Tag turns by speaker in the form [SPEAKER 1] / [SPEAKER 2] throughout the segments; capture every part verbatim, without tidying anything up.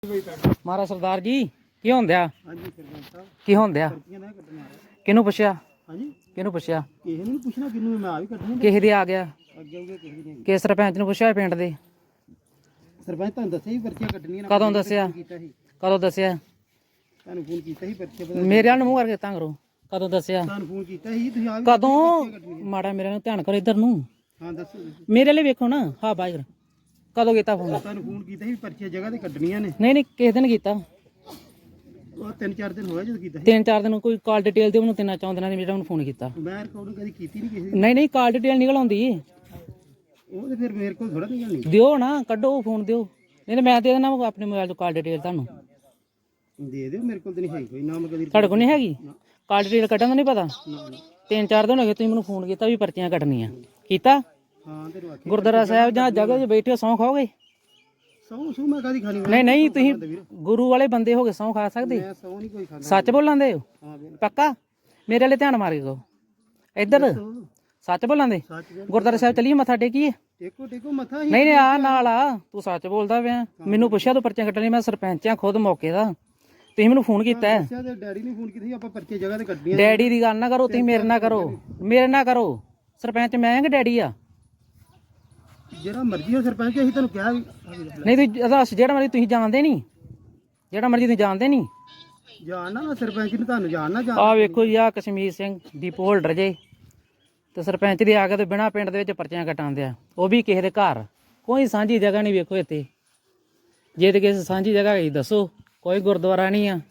[SPEAKER 1] ਮਹਾਰਾਜ ਸਰਦਾਰ ਜੀ ਕੀ ਹੁੰਦਿਆ?
[SPEAKER 2] ਹਾਂਜੀ ਸਰਪੰਚ ਸਾਹਿਬ
[SPEAKER 1] ਕੀ ਹੁੰਦਿਆ?
[SPEAKER 2] ਪਰਚੀਆਂ ਨਾ ਕੱਟਣਾ
[SPEAKER 1] ਕਿਹਨੂੰ ਪੁੱਛਿਆ?
[SPEAKER 2] ਹਾਂਜੀ
[SPEAKER 1] ਕਿਹਨੂੰ ਪੁੱਛਿਆ?
[SPEAKER 2] ਕਿਸੇ ਨੂੰ ਨੀ ਪੁੱਛਣਾ ਕਿਹਨੂੰ ਮੈਂ ਆ ਵੀ ਕੱਟਣੀ
[SPEAKER 1] ਕਿਸੇ ਦੇ ਆ ਗਿਆ?
[SPEAKER 2] ਅੱਗੇ ਅੱਗੇ ਕਿਸੇ ਦੀ ਨਹੀਂ।
[SPEAKER 1] ਕਿ ਸਰਪੰਚ ਨੂੰ ਪੁੱਛਿਆ ਪਿੰਡ ਦੇ?
[SPEAKER 2] ਸਰਪੰਚ ਤੁਹਾਨੂੰ ਦੱਸਿਆ ਸੀ ਪਰਚੀਆਂ ਕੱਟਣੀਆਂ
[SPEAKER 1] ਕਦੋਂ ਦੱਸਿਆ?
[SPEAKER 2] ਕੀਤਾ ਸੀ
[SPEAKER 1] ਕਦੋਂ ਦੱਸਿਆ?
[SPEAKER 2] ਤੁਹਾਨੂੰ ਫੋਨ ਕੀਤਾ ਸੀ ਪਰਚੇ ਪਤਾ
[SPEAKER 1] ਮੇਰੇ ਵੱਲ ਨੂੰ ਮੂੰਹ ਕਰਕੇ ਤਾਂ ਕਰੋ। ਕਦੋਂ ਦੱਸਿਆ?
[SPEAKER 2] ਤੁਹਾਨੂੰ ਫੋਨ ਕੀਤਾ ਸੀ ਤੁਸੀਂ ਆ ਵੀ
[SPEAKER 1] ਕਦੋਂ? ਮਾੜਾ ਮੇਰੇ ਨੂੰ ਧਿਆਨ ਕਰੋ ਇੱਧਰ ਨੂੰ।
[SPEAKER 2] ਹਾਂ ਦੱਸੋ ਦੱਸੋ।
[SPEAKER 1] ਮੇਰੇ ਲਈ ਵੇਖੋ ਨਾ। ਹਾਂ ਬਾਹਰ ਕਦੋਂ ਕੀਤਾ ਫੋਨ?
[SPEAKER 2] ਤੁਹਾਨੂੰ ਫੋਨ ਕੀਤਾ ਸੀ ਪਰਚੀਆਂ ਜਗ੍ਹਾ ਤੇ ਕੱਟਣੀਆਂ ਨੇ।
[SPEAKER 1] ਨਹੀਂ ਨਹੀਂ ਕਿਸੇ ਦਿਨ ਕੀਤਾ।
[SPEAKER 2] ਉਹ ਤਿੰਨ ਚਾਰ ਦਿਨ ਹੋਇਆ ਜਦੋਂ ਕੀਤਾ ਸੀ।
[SPEAKER 1] ਤਿੰਨ ਚਾਰ ਦਿਨ ਕੋਈ ਕਾਲ ਡਿਟੇਲ ਦਿਓ ਮੈਨੂੰ। ਤਿੰਨਾਂ ਚੌਂ ਦਿਨਾਂ ਦੀ ਮੇਰਾ ਉਹਨੂੰ ਫੋਨ ਕੀਤਾ।
[SPEAKER 2] ਮੈਂ ਰਿਕਾਰਡਿੰਗ ਕਦੀ ਕੀਤੀ ਨਹੀਂ ਕਿਸੇ ਦੀ।
[SPEAKER 1] ਨਹੀਂ ਨਹੀਂ ਕਾਲ ਡਿਟੇਲ ਨਿਕਲ ਆਉਂਦੀ।
[SPEAKER 2] ਉਹ ਤੇ ਫਿਰ ਮੇਰੇ ਕੋਲ ਥੋੜਾ ਨਿਕਲਣੀ।
[SPEAKER 1] ਦਿਓ ਨਾ, ਕੱਢੋ ਫੋਨ ਦਿਓ। ਨਹੀਂ ਤਾਂ ਮੈਂ ਦੇ ਦੇਣਾ ਆਪਣੇ ਮੋਬਾਈਲ ਤੋਂ ਕਾਲ ਡਿਟੇਲ ਤੁਹਾਨੂੰ।
[SPEAKER 2] ਦੇ ਦਿਓ ਮੇਰੇ ਕੋਲ ਤੇ ਨਹੀਂ ਹੈ ਕੋਈ ਨਾ। ਮੈਂ ਕਦੀ
[SPEAKER 1] ਤੁਹਾਡੇ ਕੋਲ ਨਹੀਂ ਹੈਗੀ ਕਾਲ ਡਿਟੇਲ ਕੱਢਣ ਦਾ? ਨਹੀਂ ਪਤਾ।
[SPEAKER 2] ਨਾ, ਨਾ।
[SPEAKER 1] ਤਿੰਨ ਚਾਰ ਦਿਨ ਹੋ ਗਏ ਤੁਸੀਂ ਮੈਨੂੰ ਫੋਨ ਕੀਤਾ ਵੀ ਪਰਚੀਆਂ ਕੱਟਣੀਆਂ। ਕੀਤਾ?
[SPEAKER 2] ਹਾਂ ਤੇ ਰਵਾਖੀ
[SPEAKER 1] ਗੁਰਦੁਆਰਾ ਸਾਹਿਬ ਜਾਂ ਜਗ੍ਹਾ 'ਚ ਬੈਠੇ ਹੋ ਸਹੁੰ ਖਾਓਗੇ?
[SPEAKER 2] ਸੌ ਸੌ ਮੈਂ ਕਦੀ ਖਾਣੀ।
[SPEAKER 1] ਨਹੀਂ ਨਹੀਂ ਤੁਸੀਂ ਗੁਰੂ ਵਾਲੇ ਬੰਦੇ ਹੋ ਕੇ ਸਹੁੰ ਖਾ ਸਕਦੇ?
[SPEAKER 2] ਮੈਂ ਸੌ ਨਹੀਂ ਕੋਈ ਖਾਂਦਾ।
[SPEAKER 1] ਸੱਚ ਬੋਲਾਂਦੇ ਹੋ?
[SPEAKER 2] ਹਾਂ ਬਿਲਕੁਲ
[SPEAKER 1] ਪੱਕਾ? ਮੇਰੇ ਵਾਲੇ ਧਿਆਨ ਮਾਰ ਕੇ ਕਹੋ। ਇੱਧਰ ਸੱਚ ਬੋਲਾਂਦੇ?
[SPEAKER 2] ਸੱਚ ਬਿਲਕੁਲ।
[SPEAKER 1] ਗੁਰਦੁਆਰਾ ਸਾਹਿਬ ਚਲੀਏ ਮੱਥਾ ਟੇਕੀਏ?
[SPEAKER 2] ਟੇਕੋ ਟੇਕੋ ਮੱਥਾ ਹੀ।
[SPEAKER 1] ਨਹੀਂ ਨਹੀਂ ਆ ਨਾਲ ਆ। ਤੂੰ ਸੱਚ ਬੋਲਦਾ ਪਿਆ। ਮੈਨੂੰ ਪੁੱਛਿਆ ਤੂੰ ਪਰਚੀਆਂ ਕੱਟਣੀਆਂ? ਮੈਂ ਸਰਪੰਚ ਆ ਖੁਦ ਮੌਕੇ ਦਾ। ਤੁਸੀਂ ਮੈਨੂੰ ਫੋਨ ਕੀਤਾ ਹੈ।
[SPEAKER 2] ਦੱਸਿਆ ਤੇ ਡੈਡੀ ਨੇ ਫੋਨ ਕੀਤਾ ਸੀ ਆਪਾਂ ਪਰਚੇ ਜਗ੍ਹਾ ਤੇ ਕੱਢਣੀਆਂ।
[SPEAKER 1] ਡੈਡੀ ਦੀ ਗੱਲ ਨਾ ਕਰੋ ਤੁਸੀਂ। ਮੇਰੇ ਨਾਲ ਕਰੋ। ਮੇਰੇ ਨਾਲ ਕਰੋ। ਸਰਪੰਚ ਮੈਂ ਆ ਕਿ ਡੈਡੀ ਆ?
[SPEAKER 2] ਜਿਹੜਾ ਮਰਜ਼ੀ ਹੋ ਸਰਪੰਚ ਅਸੀਂ ਤੁਹਾਨੂੰ ਕਿਹਾ ਵੀ
[SPEAKER 1] ਨਹੀਂ ਤੁਸੀਂ ਦੱਸ ਜਿਹੜਾ ਮਰਜ਼ੀ। ਤੁਸੀਂ ਜਾਣਦੇ ਨਹੀਂ? ਜਿਹੜਾ ਮਰਜ਼ੀ ਤੁਸੀਂ ਜਾਣਦੇ ਨਹੀਂ?
[SPEAKER 2] ਜਾਣਨਾ ਮੈਂ ਸਰਪੰਚ ਨੂੰ ਤੁਹਾਨੂੰ ਜਾਣਨਾ ਜਾਣ।
[SPEAKER 1] ਆ ਵੇਖੋ ਜੀ ਆ ਕਸ਼ਮੀਰ ਸਿੰਘ ਡੀਪੋ ਹੋਲਡਰ ਜੇ ਤੇ ਸਰਪੰਚ ਦੇ ਆ ਕੇ ਤੇ ਬਿਨਾ ਪਿੰਡ ਦੇ ਵਿੱਚ ਪਰਚੀਆਂ ਕਟਾਉਂਦੇ ਆ। ਉਹ ਵੀ ਕਿਸੇ ਦੇ ਘਰ। ਕੋਈ ਸਾਂਝੀ ਜਗ੍ਹਾ ਨਹੀਂ ਵੇਖੋ ਇੱਥੇ। ਜੇ ਤੇ ਕਿਸੇ ਸਾਂਝੀ ਜਗ੍ਹਾ ਹੈਗੀ ਦੱਸੋ। ਕੋਈ ਗੁਰਦੁਆਰਾ ਨਹੀਂ ਆ।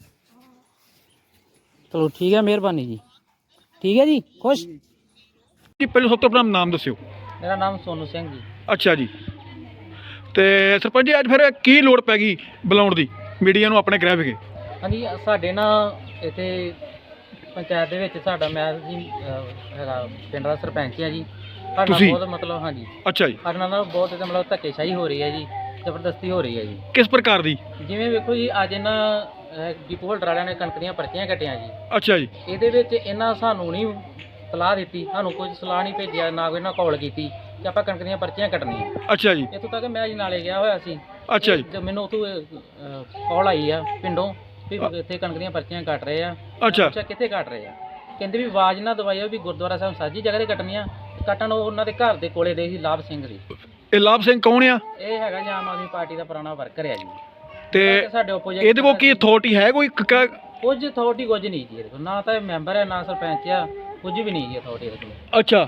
[SPEAKER 1] ਚਲੋ ਠੀਕ ਹੈ, ਮਿਹਰਬਾਨੀ ਜੀ। ਠੀਕ ਹੈ ਜੀ, ਖੁਸ਼।
[SPEAKER 3] ਜੀ ਪਹਿਲਾਂ ਸਭ ਤੋਂ ਆਪਣਾ ਨਾਮ ਦੱਸਿਓ।
[SPEAKER 1] ਮੇਰਾ ਨਾਮ ਸੋਨੂ ਸਿੰਘ ਜੀ।
[SPEAKER 3] ਅੱਛਾ ਜੀ। ਤੇ ਸਰਪੰਚ ਜੀ ਅੱਜ ਫਿਰ ਕੀ ਲੋੜ ਪੈ ਗਈ ਬੁਲਾਉਣ ਦੀ ਮੀਡੀਆ ਨੂੰ ਆਪਣੇ ਗ੍ਰਹਿ ਵਿਖੇ?
[SPEAKER 1] ਹਾਂਜੀ ਸਾਡੇ ਨਾ ਇੱਥੇ ਪੰਚਾਇਤ ਦੇ ਵਿੱਚ ਸਾਡਾ ਮੈਂ ਜੀ ਅਹ, ਹੈਗਾ ਪਿੰਡ ਦਾ ਸਰਪੰਚ ਆ ਜੀ। ਸਾਡੇ ਨਾਲ
[SPEAKER 3] ਤੁਸੀਂ?
[SPEAKER 1] ਬਹੁਤ ਮਤਲਬ ਹਾਂਜੀ
[SPEAKER 3] ਅੱਛਾ ਜੀ।
[SPEAKER 1] ਸਾਡੇ ਨਾਲ ਬਹੁਤ ਇਹਦਾ ਮਤਲਬ ਧੱਕੇਸ਼ਾਹੀ ਹੋ ਰਹੀ ਹੈ ਜੀ। ਜ਼ਬਰਦਸਤੀ ਹੋ ਰਹੀ ਹੈ ਜੀ।
[SPEAKER 3] ਕਿਸ ਪ੍ਰਕਾਰ ਦੀ?
[SPEAKER 1] ਜਿਵੇਂ ਵੇਖੋ ਜੀ ਅੱਜ ਇਹਨਾਂ ਡੀਪੋ ਹੋਲਡਰ ਵਾਲਿਆਂ ਨੇ ਕਣਕ ਦੀਆਂ ਪਰਚੀਆਂ ਕੱਟੀਆਂ ਜੀ।
[SPEAKER 3] ਅੱਛਾ ਜੀ।
[SPEAKER 1] ਇਹਦੇ ਵਿੱਚ ਇਹਨਾਂ ਸਾਨੂੰ ਨਹੀਂ ਸਲਾਹ ਦਿੱਤੀ। ਸਾਨੂੰ ਕੋਈ ਸਲਾਹ ਨਹੀਂ ਭੇਜਿਆ, ਨਾ ਕੋਈ ਇਹਨਾਂ ਕਾਲ ਕੀਤੀ ਕਿ ਆਪਾਂ ਕਣਕ ਦੀਆਂ ਪਰਚੀਆਂ ਕੱਟਣੀਆਂ।
[SPEAKER 3] ਅੱਛਾ ਜੀ।
[SPEAKER 1] ਇੱਥੋਂ ਤੱਕ ਮੈਂ ਜੀ ਨਾਲੇ ਗਿਆ ਹੋਇਆ ਸੀ।
[SPEAKER 3] ਅੱਛਾ ਜੀ।
[SPEAKER 1] ਤੇ ਮੈਨੂੰ ਉੱਥੋਂ ਕਾਲ ਆਈ ਆ ਪਿੰਡੋਂ ਵੀ ਇੱਥੇ ਕਣਕ ਦੀਆਂ ਪਰਚੀਆਂ ਕੱਟ ਰਹੇ ਆ।
[SPEAKER 3] ਅੱਛਾ।
[SPEAKER 1] ਅੱਛਾ ਕਿੱਥੇ ਕੱਟ ਰਹੇ ਆ? ਕਹਿੰਦੇ ਵੀ ਆਵਾਜ਼ ਨਾ ਦਵਾਈਓ ਵੀ ਗੁਰਦੁਆਰਾ ਸਾਹਿਬ ਸਾਂਝੀ ਜਗ੍ਹਾ ਤੇ ਕੱਟਣੀਆਂ। ਕੱਟਣ ਉਹ ਉਹਨਾਂ ਦੇ ਘਰ ਦੇ ਕੋਲੇ ਦੇ ਸੀ ਲਾਭ ਸਿੰਘ ਜੀ।
[SPEAKER 3] ਇਹ ਲਾਭ ਸਿੰਘ ਕੌਣ ਆ?
[SPEAKER 1] ਇਹ ਹੈਗਾ ਜੀ ਆਮ ਆਦਮੀ ਪਾਰਟੀ ਦਾ ਪੁਰਾਣਾ ਵਰਕਰ ਆ ਜੀ।
[SPEAKER 3] ਤੇ
[SPEAKER 1] ਸਾਡੇ ਆਪੋਜੀਟ
[SPEAKER 3] ਇਹਦੇ ਕੋਲ ਕੀ ਅਥਾਰਟੀ ਹੈ ਕੋਈ? ਕ- ਕ-
[SPEAKER 1] ਕੁਝ ਅਥਾਰਟੀ ਕੁਝ ਨਹੀਂ ਜੀ ਇਹਦੇ ਕੋਲ। ਨਾ ਤਾਂ ਇਹ ਮੈਂਬਰ ਹੈ ਨਾ ਸਰਪੰਚ ਆ। ਕੁਝ ਵੀ ਨਹੀਂ ਜੀ ਅਥਾਰਟੀ ਇਹਦੇ ਕੋਲ।
[SPEAKER 3] ਅੱਛਾ।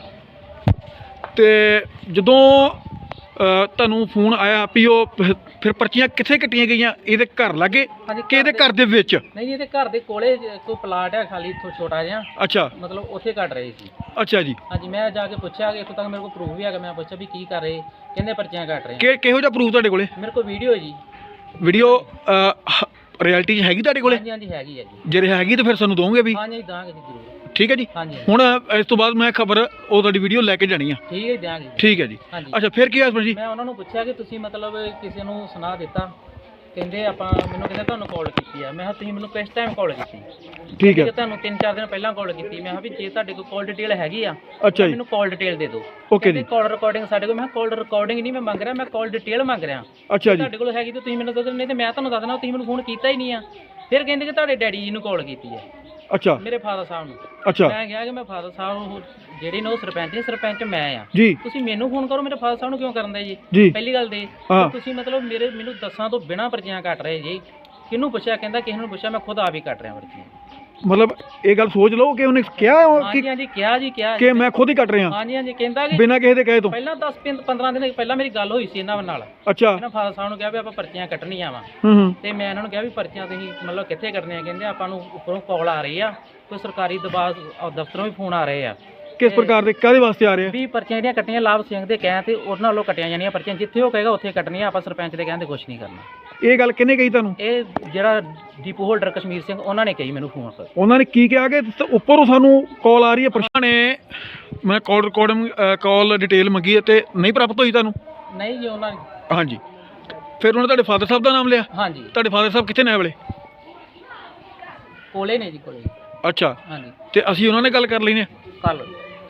[SPEAKER 3] ਤੇ ਜਦੋਂ ਅ, ਤੁਹਾਨੂੰ ਫੋਨ ਆਇਆ ਵੀ ਉਹ ਫਿਰ- ਫਿਰ ਪਰਚੀਆਂ ਕਿੱਥੇ ਕੱਟੀਆਂ ਗਈਆਂ? ਇਹਦੇ ਘਰ ਲਾਗੇ
[SPEAKER 1] ਹਾਂਜੀ,
[SPEAKER 3] ਕਿ ਇਹਦੇ
[SPEAKER 1] ਘਰ
[SPEAKER 3] ਘਰ ਦੇ ਵਿੱਚ?
[SPEAKER 1] ਨਹੀਂ ਜੀ ਇਹਦੇ ਘਰ ਦੇ ਕੋਲੇ ਕੋਈ ਪਲਾਟ ਹੈ ਖਾਲੀ ਥੋ ਛੋਟਾ ਜਿਹਾ।
[SPEAKER 3] ਅੱਛਾ।
[SPEAKER 1] ਮਤਲਬ ਉੱਥੇ ਕੱਟ ਰਹੇ ਸੀ।
[SPEAKER 3] ਅੱਛਾ ਜੀ।
[SPEAKER 1] ਹਾਂਜੀ ਮੈਂ ਜਾ ਕੇ ਪੁੱਛਿਆ ਕਿ ਇੱਥੋਂ ਤੱਕ ਮੇਰੇ ਕੋਲ ਪ੍ਰੂਫ ਵੀ ਹੈਗਾ। ਮੈਂ ਪੁੱਛਿਆ ਵੀ ਕੀ ਕਰ ਰਹੇ? ਕਹਿੰਦੇ ਪਰਚੀਆਂ ਕੱਟ ਰਹੇ ਆ।
[SPEAKER 3] ਕਿ ਕਿਹੋ ਜਿਹਾ ਪ੍ਰੂਫ ਤੁਹਾਡੇ ਕੋਲੇ?
[SPEAKER 1] ਮੇਰੇ ਕੋਲ ਵੀਡੀਓ ਹੈ ਜੀ।
[SPEAKER 3] ਵੀਡੀਓ ਰਿਐਲਿਟੀ 'ਚ ਹੈਗੀ ਤੁਹਾਡੇ ਕੋਲੇ?
[SPEAKER 1] ਹਾਂਜੀ ਹਾਂਜੀ ਹੈਗੀ ਹੈ ਜੀ।
[SPEAKER 3] ਜੇ ਹੈਗੀ ਤਾਂ ਫਿਰ ਸਾਨੂੰ ਦੋਗੇ ਵੀ?
[SPEAKER 1] ਹਾਂਜੀ ਦਾਂਗੇ ਜੀ ਜ਼ਰੂਰ।
[SPEAKER 3] ਠੀਕ ਹੈ ਜੀ।
[SPEAKER 1] ਹਾਂਜੀ
[SPEAKER 3] ਹੁਣ ਇਸ ਤੋਂ ਬਾਅਦ ਮੈਂ ਖਬਰ ਉਹ ਤੁਹਾਡੀ ਵੀਡੀਓ ਲੈ ਕੇ ਜਾਣੀ ਆ।
[SPEAKER 1] ਠੀਕ ਹੈ ਦਿਆਂਗੇ ਜੀ।
[SPEAKER 3] ਠੀਕ ਹੈ ਜੀ।
[SPEAKER 1] ਹਾਂਜੀ
[SPEAKER 3] ਅੱਛਾ ਫਿਰ ਕੀ ਹੋਇਆ ਸਰਪੰਚ ਜੀ?
[SPEAKER 1] ਮੈਂ ਉਹਨਾਂ ਨੂੰ ਪੁੱਛਿਆ ਕਿ ਤੁਸੀਂ ਮਤਲਬ ਕਿਸੇ ਨੂੰ ਸੁਣਾ ਦਿੱਤਾ? ਕਹਿੰਦੇ ਆਪਾਂ ਮੈਨੂੰ ਕਹਿੰਦੇ ਤੁਹਾਨੂੰ ਕਾਲ ਕੀਤੀ ਆ। ਮੈਂ ਕਿਹਾ ਤੁਸੀਂ ਮੈਨੂੰ ਕਿਸ ਟਾਈਮ ਕਾਲ ਕੀਤੀ?
[SPEAKER 3] ਠੀਕ ਹੈ।
[SPEAKER 1] ਕਿ ਤੁਹਾਨੂੰ ਤਿੰਨ ਚਾਰ ਦਿਨ ਪਹਿਲਾਂ ਕਾਲ ਕੀਤੀ। ਮੈਂ ਕਿਹਾ ਵੀ ਜੇ ਤੁਹਾਡੇ ਕੋਲ ਕਾਲ ਡਿਟੇਲ ਹੈਗੀ ਆ
[SPEAKER 3] ਅੱਛਾ ਜੀ।
[SPEAKER 1] ਮੈਨੂੰ ਕਾਲ ਡਿਟੇਲ ਦੇ ਦਿਓ।
[SPEAKER 3] ਓਕੇ ਜੀ।
[SPEAKER 1] ਕਾਲ ਰਿਕਾਰਡਿੰਗ ਸਾਡੇ ਕੋਲ। ਮੈਂ ਕਾਲ ਰਿਕਾਰਡਿੰਗ ਨਹੀਂ ਮੈਂ ਮੰਗ ਰਿਹਾ, ਮੈਂ ਕਾਲ ਡਿਟੇਲ ਮੰਗ ਰਿਹਾ।
[SPEAKER 3] ਅੱਛਾ ਜੀ।
[SPEAKER 1] ਤੁਹਾਡੇ ਕੋਲ ਹੈਗੀ ਤਾਂ ਤੁਸੀਂ ਮੈਨੂੰ ਦੱਸੋ, ਨਹੀਂ ਤੇ ਮੈਂ ਤੁਹਾਨੂੰ ਦੱਸ ਦੇਣਾ ਤੁਸੀਂ ਮੈਨੂੰ ਫੋਨ ਕੀਤਾ ਹੀ ਨਹੀਂ ਆ। ਫਿਰ ਕਹਿੰਦੇ ਕਿ ਤੁਹਾਡੇ ਡੈਡੀ ਜੀ ਨੂੰ ਕਾਲ ਕੀਤੀ ਹੈ,
[SPEAKER 3] ਅੱਛਾ।
[SPEAKER 1] ਮੇਰੇ ਫਾਦਰ ਸਾਹਿਬ ਨੂੰ।
[SPEAKER 3] ਅੱਛਾ
[SPEAKER 1] ਮੈਂ ਕਿਹਾ ਕਿ ਮੈਂ ਫਾਦਰ ਸਾਹਿਬ ਨੂੰ ਜਿਹੜੇ ਨੇ ਉਹ ਸਰਪੰਚ ਨੇ, ਸਰਪੰਚ ਮੈਂ ਆ।
[SPEAKER 3] ਜੀ।
[SPEAKER 1] ਤੁਸੀਂ ਮੈਨੂੰ ਫੋਨ ਕਰੋ, ਮੇਰੇ ਫਾਦਰ ਸਾਹਿਬ ਨੂੰ ਕਿਉਂ ਕਰਨ ਦੇ ਜੀ?
[SPEAKER 3] ਜੀ।
[SPEAKER 1] ਪਹਿਲੀ ਗੱਲ ਤੇ
[SPEAKER 3] ਹਾਂ।
[SPEAKER 1] ਤੁਸੀਂ ਮਤਲਬ ਮੇਰੇ ਮੈਨੂੰ ਦੱਸਾਂ ਤੋਂ ਬਿਨਾਂ ਪਰਚੀਆਂ ਕੱਟ ਰਹੇ ਜੀ। ਕਿਹਨੂੰ ਪੁੱਛਿਆ? ਕਹਿੰਦਾ ਕਿਸੇ ਨੂੰ ਪੁੱਛਿਆ, ਮੈਂ ਖੁਦ ਆਪ ਹੀ ਕੱਟ ਰਿਹਾ ਪਰਚੀਆਂ।
[SPEAKER 3] ਮਤਲਬ ਇਹ ਗੱਲ ਸੋਚ ਲਓ ਕਿ ਉਹਨੇ ਕਿਹਾ
[SPEAKER 1] ਹਾਂਜੀ
[SPEAKER 3] ਕਿ
[SPEAKER 1] ਹਾਂਜੀ ਕਿਹਾ ਜੀ ਕਿਹਾ
[SPEAKER 3] ਕਿ ਮੈਂ ਖੁਦ ਹੀ ਕੱਟ ਰਿਹਾ
[SPEAKER 1] ਹਾਂਜੀ ਹਾਂਜੀ ਕਹਿੰਦਾ ਕਿ
[SPEAKER 3] ਬਿਨਾਂ ਕਿਸੇ ਦੇ ਕਹੇ ਤੋਂ?
[SPEAKER 1] ਪਹਿਲਾਂ ਦਸ ਪੰਦਰਾਂ ਦਿਨ ਪਹਿਲਾਂ ਮੇਰੀ ਗੱਲ ਹੋਈ ਸੀ ਇਹਨਾਂ ਨਾਲ।
[SPEAKER 3] ਅੱਛਾ।
[SPEAKER 1] ਇਹਨਾਂ ਫਾਦਰ ਸਾਹਿਬ ਨੂੰ ਕਿਹਾ ਵੀ ਆਪਾਂ ਪਰਚੀਆਂ ਕੱਟਣੀਆਂ ਵਾ।
[SPEAKER 3] ਹੂੰ ਹੂੰ।
[SPEAKER 1] ਤੇ ਮੈਂ ਇਹਨਾਂ ਨੂੰ ਕਿਹਾ ਵੀ ਪਰਚੀਆਂ ਤੁਸੀਂ ਮਤਲਬ ਕਿੱਥੇ ਕੱਟਣੀਆਂ? ਕਹਿੰਦੇ ਆਪਾਂ ਨੂੰ ਉੱਪਰੋਂ ਕਾਲ ਆ ਰਹੀ ਆ, ਕੋਈ ਸਰਕਾਰੀ ਦਬਾਅ ਦਫ਼ਤਰੋਂ ਵੀ ਫੋਨ ਆ ਰਹੇ ਆ।
[SPEAKER 3] ਕਿਸ ਪ੍ਰਕਾਰ ਦੇ ਕਾਹਦੇ ਵਾਸਤੇ ਆ ਰਹੇ ਆ?
[SPEAKER 1] ਵੀ ਪਰਚੀਆਂ ਜਿਹੜੀਆਂ ਕੱਟੀਆਂ ਲਾਭ ਸਿੰਘ ਦੇ ਕਹਿਣ ਤੇ ਉਹਨਾਂ ਵੱਲੋਂ ਕੱਟੀਆਂ ਜਾਣੀਆਂ ਪਰਚੀਆਂ। ਜਿੱਥੇ ਉਹ ਕਹੇਗਾ ਉੱਥੇ ਕੱਟਣੀਆਂ। ਆਪਾਂ ਸਰਪੰਚ ਦੇ ਕਹਿੰਦੇ ਕੁਝ ਨਹੀਂ ਕਰਨਾ।
[SPEAKER 3] ਇਹ ਗੱਲ ਕਿਹਨੇ ਕਹੀ ਤੁਹਾਨੂੰ?
[SPEAKER 1] ਇਹ ਜਿਹੜਾ ਡੀਪੋ ਹੋਲਡਰ ਕਸ਼ਮੀਰ ਸਿੰਘ ਉਹਨਾਂ ਨੇ ਕਹੀ ਮੈਨੂੰ ਫੋਨ ਕਰ।
[SPEAKER 3] ਉਹਨਾਂ ਨੇ ਕੀ ਕਿਹਾ ਕਿ ਉੱਪਰੋਂ ਸਾਨੂੰ ਕਾਲ ਆ ਰਹੀ ਹੈ? ਪ੍ਰਸ਼ਾਸਨ ਨੇ ਮੈਂ ਕਾਲ ਰਿਕਾਰਡਿੰਗ ਕਾਲ ਡਿਟੇਲ ਮੰਗੀ ਹੈ ਤੇ ਨਹੀਂ ਪ੍ਰਾਪਤ ਹੋਈ ਤੁਹਾਨੂੰ?
[SPEAKER 1] ਨਹੀਂ ਜੀ ਉਹਨਾਂ ਨੇ।
[SPEAKER 3] ਹਾਂਜੀ। ਫਿਰ ਉਹਨਾਂ ਤੁਹਾਡੇ ਫਾਦਰ ਸਾਹਿਬ ਦਾ ਨਾਮ ਲਿਆ?
[SPEAKER 1] ਹਾਂਜੀ।
[SPEAKER 3] ਤੁਹਾਡੇ ਫਾਦਰ ਸਾਹਿਬ ਕਿੱਥੇ ਨੇ ਵੇਲੇ?
[SPEAKER 1] ਕੋਲੇ ਨੇ ਜੀ ਕੋਲੇ।
[SPEAKER 3] ਅੱਛਾ।
[SPEAKER 1] ਹਾਂਜੀ।
[SPEAKER 3] ਤੇ ਅਸੀਂ ਉਹਨਾਂ ਨਾਲ ਗੱਲ ਕਰ ਲੈਣੀ ਹੈ
[SPEAKER 1] ਕੱਲ।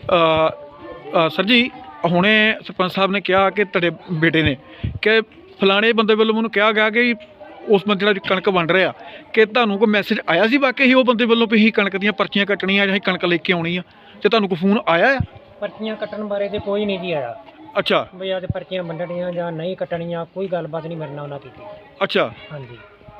[SPEAKER 3] ਸਰ ਜੀ ਹੁਣੇ ਸਰਪੰਚ ਸਾਹਿਬ ਨੇ ਕਿਹਾ ਕਿ ਤੁਹਾਡੇ ਬੇਟੇ ਨੇ ਕਿ ਫਲਾਣੇ ਬੰਦੇ ਵੱਲੋਂ ਮੈਨੂੰ ਕਿਹਾ ਗਿਆ ਕਿ ਉਸ ਬੰਦੇ ਨਾਲ ਕਣਕ ਵੰਡ ਰਿਹਾ ਕਿ ਤੁਹਾਨੂੰ ਕੋਈ ਮੈਸੇਜ ਆਇਆ ਸੀ ਵਾਕਈ ਹੀ ਉਹ ਬੰਦੇ ਵੱਲੋਂ ਵੀ ਅਸੀਂ ਕਣਕ ਦੀਆਂ ਪਰਚੀਆਂ ਕੱਟਣੀਆਂ ਜਾਂ ਅਸੀਂ ਕਣਕ ਲੈ ਕੇ ਆਉਣੀ ਆ ਤੇ ਤੁਹਾਨੂੰ ਕੋਈ ਫੋਨ ਆਇਆ ਆ?
[SPEAKER 4] ਪਰਚੀਆਂ ਕੱਟਣ ਬਾਰੇ ਤੇ ਕੋਈ ਨਹੀਂ ਜੀ ਆਇਆ
[SPEAKER 3] ਅੱਛਾ
[SPEAKER 4] ਵੀ ਆਹ ਤੇ ਪਰਚੀਆਂ ਵੰਡਣੀਆਂ ਜਾਂ ਨਹੀਂ ਕੱਟਣੀਆਂ, ਕੋਈ ਗੱਲਬਾਤ ਨਹੀਂ ਮੇਰੇ ਨਾਲ ਉਹਨਾਂ ਕੀਤੀ।
[SPEAKER 3] ਅੱਛਾ
[SPEAKER 4] ਹਾਂਜੀ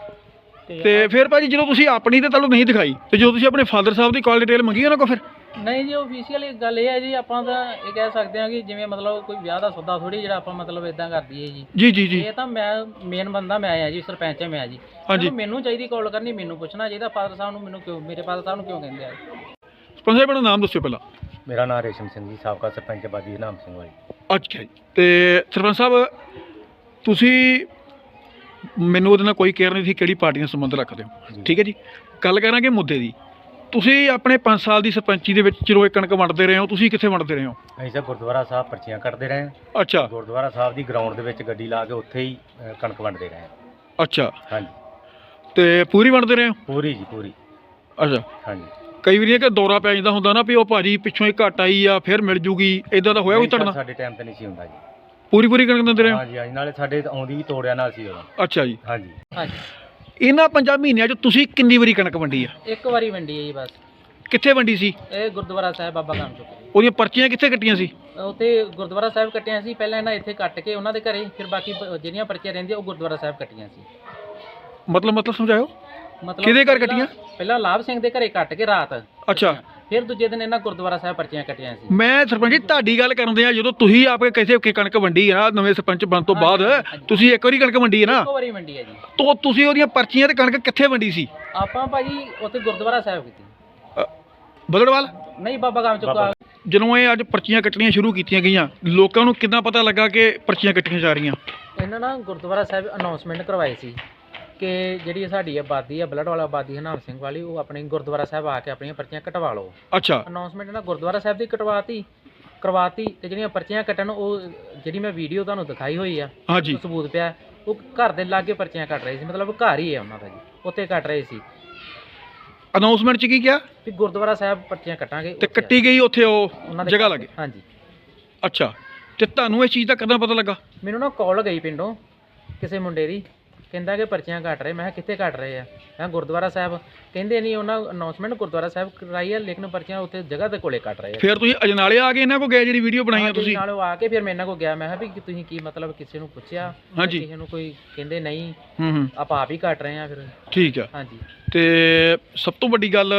[SPEAKER 3] ਤੇ ਫਿਰ ਭਾਜੀ ਜਦੋਂ ਤੁਸੀਂ ਆਪਣੀ ਤੇ ਤੁਹਾਨੂੰ ਨਹੀਂ ਦਿਖਾਈ ਤੇ ਜਦੋਂ ਤੁਸੀਂ ਆਪਣੇ ਫਾਦਰ ਸਾਹਿਬ ਦੀ ਕਾਲ ਡਿਟੇਲ ਮੰਗੀ ਉਹਨਾਂ ਕੋਲ ਫਿਰ?
[SPEAKER 1] ਨਹੀਂ ਜੀ, ਆਫੀਸ਼ੀਅਲ ਗੱਲ ਇਹ ਹੈ ਜੀ, ਆਪਾਂ ਤਾਂ ਇਹ ਕਹਿ ਸਕਦੇ ਹਾਂ ਕਿ ਜਿਵੇਂ ਮਤਲਬ ਕੋਈ ਵਿਆਹ ਦਾ ਸੌਦਾ ਥੋੜੀ ਜਿਹੜਾ ਆਪਾਂ ਮਤਲਬ ਇਦਾਂ ਕਰ ਦਈਏ ਜੀ।
[SPEAKER 3] ਜੀ ਜੀ ਜੀ
[SPEAKER 1] ਇਹ ਤਾਂ ਮੈਂ ਮੇਨ ਬੰਦਾ ਮੈਂ ਆ ਜੀ, ਸਰਪੰਚ ਮੈਂ ਜੀ।
[SPEAKER 3] ਹਾਂਜੀ।
[SPEAKER 1] ਮੈਨੂੰ ਚਾਹੀਦੀ ਕਾਲ ਕਰਨੀ, ਮੈਨੂੰ ਪੁੱਛਣਾ ਚਾਹੀਦਾ ਫਾਦਰ ਸਾਹਿਬ ਨੂੰ, ਮੈਨੂੰ ਕਿਉਂ, ਮੇਰੇ ਫਾਦਰ ਸਾਹਿਬ ਨੂੰ ਕਿਉਂ ਕਹਿੰਦੇ ਆ।
[SPEAKER 3] ਸਰਪੰਚ ਸਾਹਿਬ ਆਪਣਾ ਨਾਮ ਦੱਸਿਓ ਪਹਿਲਾਂ।
[SPEAKER 4] ਮੇਰਾ ਨਾਮ ਰੇਸ਼ਮ ਸਿੰਘ ਜੀ, ਸਾਬਕਾ ਸਰਪੰਚ ਬਾਦੀ ਨਾਮ ਸਿੰਘ ਵਾਲੀ।
[SPEAKER 3] ਅੱਛਾ ਜੀ। ਤੇ ਸਰਪੰਚ ਸਾਹਿਬ ਤੁਸੀਂ ਮੈਨੂੰ ਉਹਦੇ ਨਾਲ ਕੋਈ ਕੇਅਰ ਨਹੀਂ ਸੀ ਕਿਹੜੀ ਪਾਰਟੀ ਨਾਲ ਸੰਬੰਧ ਰੱਖਦੇ ਹੋ, ਠੀਕ ਹੈ ਜੀ। ਗੱਲ ਕਰਾਂਗੇ ਮੁੱਦੇ ਦੀ। ਤੁਸੀਂ ਆਪਣੇ ਪੰਜ ਸਾਲ ਦੀ ਸਰਪੰਚੀ ਦੇ ਵਿੱਚ ਜਦੋਂ ਇਹ ਕਣਕ ਵੰਡਦੇ ਰਹੇ ਹੋ, ਤੁਸੀਂ ਕਿੱਥੇ ਵੰਡਦੇ ਰਹੇ ਹੋ?
[SPEAKER 4] ਅਸੀਂ ਤਾਂ ਗੁਰਦੁਆਰਾ ਸਾਹਿਬ ਪਰਚੀਆਂ ਕੱਟਦੇ ਰਹੇ ਹਾਂ।
[SPEAKER 3] ਅੱਛਾ
[SPEAKER 4] ਗੁਰਦੁਆਰਾ ਸਾਹਿਬ ਦੀ ਗਰਾਊਂਡ ਦੇ ਵਿੱਚ ਗੱਡੀ ਲਾ ਕੇ ਉੱਥੇ ਹੀ ਅ, ਕਣਕ ਵੰਡਦੇ ਰਹੇ ਹਾਂ।
[SPEAKER 3] ਅੱਛਾ
[SPEAKER 4] ਹਾਂਜੀ
[SPEAKER 3] ਤੇ ਪੂਰੀ ਵੰਡਦੇ ਰਹੇ ਹੋ?
[SPEAKER 4] ਪੂਰੀ ਜੀ ਪੂਰੀ।
[SPEAKER 3] ਅੱਛਾ।
[SPEAKER 4] ਹਾਂਜੀ
[SPEAKER 3] ਕਈ ਵਾਰੀ ਕਿ ਦੌਰਾ ਪੈ ਜਾਂਦਾ ਹੁੰਦਾ ਨਾ ਵੀ ਉਹ ਭਾਜੀ ਪਿੱਛੋਂ ਹੀ ਘੱਟ ਆਈ ਆ ਫਿਰ ਮਿਲ ਜੂਗੀ, ਇਦਾਂ ਦਾ ਹੋਇਆ ਕੋਈ ਤੁਹਾਡੇ ਨਾਲ?
[SPEAKER 4] ਸਾਡੇ ਟਾਈਮ ਤੇ ਨਹੀਂ ਸੀ ਹੁੰਦਾ ਜੀ।
[SPEAKER 3] ਪੂਰੀ ਪੂਰੀ ਕਣਕ ਦਿੰਦੇ ਰਹੇ ਹੋ?
[SPEAKER 4] ਹਾਂਜੀ ਹਾਂਜੀ, ਨਾਲੇ ਸਾਡੇ ਆਉਂਦੀ ਵੀ ਤੋੜਿਆ ਨਾਲ ਸੀ ਉਦੋਂ।
[SPEAKER 3] ਅੱਛਾ ਜੀ।
[SPEAKER 4] ਹਾਂਜੀ
[SPEAKER 1] ਹਾਂਜੀ,
[SPEAKER 3] ਇਹਨਾਂ ਪੰਜਾਂ ਮਹੀਨਿਆਂ 'ਚ ਤੁਸੀਂ ਕਿੰਨੀ ਵਾਰੀ ਕਣਕ ਵੰਡੀ ਆ?
[SPEAKER 1] ਇੱਕ ਵਾਰੀ ਵੰਡੀ ਹੈ ਜੀ ਬਸ।
[SPEAKER 3] ਕਿੱਥੇ ਵੰਡੀ ਸੀ?
[SPEAKER 1] ਇਹ ਗੁਰਦੁਆਰਾ ਸਾਹਿਬ ਬਾਬਾ ਕਾਮ ਚੁੱਕੇ,
[SPEAKER 3] ਉਹਦੀਆਂ ਪਰਚੀਆਂ ਕਿੱਥੇ ਕੱਟੀਆਂ ਸੀ?
[SPEAKER 1] ਉੱਥੇ ਗੁਰਦੁਆਰਾ ਸਾਹਿਬ ਕੱਟੀਆਂ ਸੀ ਪਹਿਲਾਂ, ਇਹਨਾਂ ਇੱਥੇ ਕੱਟ ਕੇ ਉਹਨਾਂ ਦੇ ਘਰੇ, ਫਿਰ ਬਾਕੀ ਪ- ਜਿਹੜੀਆਂ ਪਰਚੀਆਂ ਰਹਿੰਦੀਆਂ ਉਹ ਗੁਰਦੁਆਰਾ ਸਾਹਿਬ ਕੱਟੀਆਂ ਸੀ।
[SPEAKER 3] ਮਤਲਬ ਮਤਲਬ ਸਮਝਾਇਓ।
[SPEAKER 1] ਮਤਲਬ
[SPEAKER 3] ਕਿਹਦੇ ਘਰ
[SPEAKER 1] ਪਹਿਲਾਂ-
[SPEAKER 3] ਕੱਟੀਆਂ?
[SPEAKER 1] ਪਹਿਲਾਂ ਲਾਭ ਸਿੰਘ ਦੇ ਘਰੇ ਕੱਟ ਕੇ ਰਾਤ,
[SPEAKER 3] ਅੱਛਾ।
[SPEAKER 1] ਫਿਰ ਦੂਜੇ ਦਿਨ ਇਹਨਾਂ ਗੁਰਦੁਆਰਾ ਸਾਹਿਬ ਪਰਚੀਆਂ ਕੱਟੀਆਂ ਸੀ।
[SPEAKER 3] ਮੈਂ ਸਰਪੰਚ ਜੀ ਤੁਹਾਡੀ ਗੱਲ ਕਰਦੇ ਆ, ਜਦੋਂ ਤੁਸੀਂ ਆਪੇ ਕਿਸੇ ਕਿ ਕਣਕ ਵੰਡੀ ਹੈ ਨਾ ਨਵੇਂ ਸਰਪੰਚ ਬਣਨ ਤੋਂ ਬਾਅਦ,
[SPEAKER 1] ਹਾਂਜੀ, ਹਾਂਜੀ।
[SPEAKER 3] ਤੁਸੀਂ ਇੱਕ ਵਾਰੀ ਕਣਕ ਵੰਡੀ ਹੈ ਨਾ,
[SPEAKER 1] ਇੱਕੋ ਵਾਰੀ ਵੰਡੀ ਹੈ ਜੀ।
[SPEAKER 3] ਤਾਂ ਤੁਸੀਂ ਉਹਦੀਆਂ ਪਰਚੀਆਂ ਤੇ ਕਣਕ ਕਿੱਥੇ ਵੰਡੀ ਸੀ?
[SPEAKER 1] ਆਪਾਂ ਭਾਜੀ ਉੱਥੇ ਗੁਰਦੁਆਰਾ ਸਾਹਿਬ ਕੀਤੀ,
[SPEAKER 3] ਬਦੜਵਾਲ?
[SPEAKER 1] ਨਹੀਂ ਬਾਬਾ ਕਾਮ ਚੁੱਕਾ।
[SPEAKER 3] ਜਦੋਂ ਇਹ ਅੱਜ ਪਰਚੀਆਂ ਕੱਟਣੀਆਂ ਸ਼ੁਰੂ ਕੀਤੀਆਂ ਗਈਆਂ, ਲੋਕਾਂ ਨੂੰ ਕਿੱਦਾਂ ਪਤਾ ਲੱਗਾ ਕਿ ਪਰਚੀਆਂ ਕੱਟੀਆਂ ਜਾ ਰਹੀਆਂ?
[SPEAKER 1] ਇਹਨਾਂ ਨਾ ਗੁਰਦੁਆਰਾ ਸਾਹਿਬ ਅਨਾਉਂਸਮੈਂਟ ਕਰਵਾਈ ਸੀ ਕਿ ਜਿਹੜੀ ਸਾਡੀ ਆਬਾਦੀ ਆ ਬਲੱਡ ਵਾਲਾ ਆਬਾਦੀ ਹਨਾਮ ਸਿੰਘ ਵਾਲੀ, ਉਹ ਆਪਣੇ ਗੁਰਦੁਆਰਾ ਸਾਹਿਬ ਆ ਕੇ ਆਪਣੀਆਂ ਪਰਚੀਆਂ ਕਟਵਾ ਲਓ।
[SPEAKER 3] ਅੱਛਾ
[SPEAKER 1] ਅਨਾਉਂਸਮੈਂਟ ਇਹਨਾਂ ਗੁਰਦੁਆਰਾ ਸਾਹਿਬ ਦੀ ਕਟਵਾਤੀ ਕਰਵਾਤੀ ਤੇ ਜਿਹੜੀਆਂ ਪਰਚੀਆਂ ਕੱਟਣ, ਉਹ ਜਿਹੜੀ ਮੈਂ ਵੀਡੀਓ ਤੁਹਾਨੂੰ ਦਿਖਾਈ ਹੋਈ ਆ,
[SPEAKER 3] ਹਾਂਜੀ
[SPEAKER 1] ਉਹ ਸਬੂਤ ਪਿਆ, ਉਹ ਘਰ ਦੇ ਲਾਗੇ ਪਰਚੀਆਂ ਕੱਟ ਰਹੇ ਸੀ, ਮਤਲਬ ਘਰ ਹੀ ਹੈ ਉਹਨਾਂ ਦਾ ਜੀ, ਉੱਥੇ ਕੱਟ ਰਹੇ ਸੀ
[SPEAKER 3] ਅਨਾਉਂਸਮੈਂਟ 'ਚ ਕੀ ਕਿਹਾ?
[SPEAKER 1] ਵੀ ਗੁਰਦੁਆਰਾ ਸਾਹਿਬ ਪਰਚੀਆਂ ਕੱਟਾਂਗੇ
[SPEAKER 3] ਤੇ
[SPEAKER 1] ਉੱਥੇ ਆ।
[SPEAKER 3] ਕੱਟੀ ਗਈ ਉੱਥੇ ਉਹ
[SPEAKER 1] ਉਹਨਾਂ ਦੇ
[SPEAKER 3] ਜਗ੍ਹਾ
[SPEAKER 1] ਘਰ-
[SPEAKER 3] ਲੱਗੇ?
[SPEAKER 1] ਹਾਂਜੀ।
[SPEAKER 3] ਅੱਛਾ। ਤੇ ਤੁਹਾਨੂੰ ਇਸ ਚੀਜ਼ ਦਾ ਕਦੋਂ ਪਤਾ ਲੱਗਾ?
[SPEAKER 1] ਮੈਨੂੰ ਨਾ ਕਾਲ ਗਈ ਪਿੰਡੋਂ ਕਿਸੇ ਮੁੰਡੇ ਦੀ, ਕਹਿੰਦਾ ਕਿ ਪਰਚੀਆਂ ਕੱਟ ਰਹੇ। ਮੈਂ ਕਿਹਾ ਕਿੱਥੇ ਕੱਟ ਰਹੇ ਆ? ਮੈਂ ਕਿਹਾ ਗੁਰਦੁਆਰਾ ਸਾਹਿਬ। ਕਹਿੰਦੇ ਨਹੀਂ, ਉਹਨਾਂ ਅਨਾਉਂਸਮੈਂਟ ਗੁਰਦੁਆਰਾ ਸਾਹਿਬ ਕਰਾਈ ਆ, ਲੇਕਿਨ ਪਰਚੀਆਂ ਉੱਥੇ ਜਗ੍ਹਾ ਦੇ ਕੋਲੇ ਕੱਟ ਰਹੇ ਆ।
[SPEAKER 3] ਫਿਰ ਤੁਸੀਂ ਅਜਨਾਲੇ ਆ ਕੇ ਇਹਨਾਂ ਕੋਲ ਗਏ ਜਿਹੜੀ ਵੀਡੀਓ ਬਣਾਈ ਆ
[SPEAKER 1] ਹਾਂਜੀ,
[SPEAKER 3] ਤੁਸੀਂ?
[SPEAKER 1] ਨਾਲ ਉਹ ਆ ਕੇ ਫਿਰ ਮੈਂ ਇਹਨਾਂ ਕੋਲ ਗਿਆ, ਮੈਂ ਕਿਹਾ ਵੀ ਕਿ ਤੁਸੀਂ ਕੀ ਮਤਲਬ ਕਿਸੇ ਨੂੰ ਪੁੱਛਿਆ?
[SPEAKER 3] ਹਾਂਜੀ।
[SPEAKER 1] ਕਿਸੇ ਨੂੰ ਕੋਈ ਕਹਿੰਦੇ ਨਹੀਂ,
[SPEAKER 3] ਹੂੰ ਹੂੰ
[SPEAKER 1] ਆਪਾਂ ਆਪ ਹੀ ਕੱਟ ਰਹੇ ਆ ਫਿਰ।
[SPEAKER 3] ਠੀਕ ਆ।
[SPEAKER 1] ਹਾਂਜੀ।
[SPEAKER 3] ਤੇ ਸਭ ਤੋਂ ਵੱਡੀ ਗੱਲ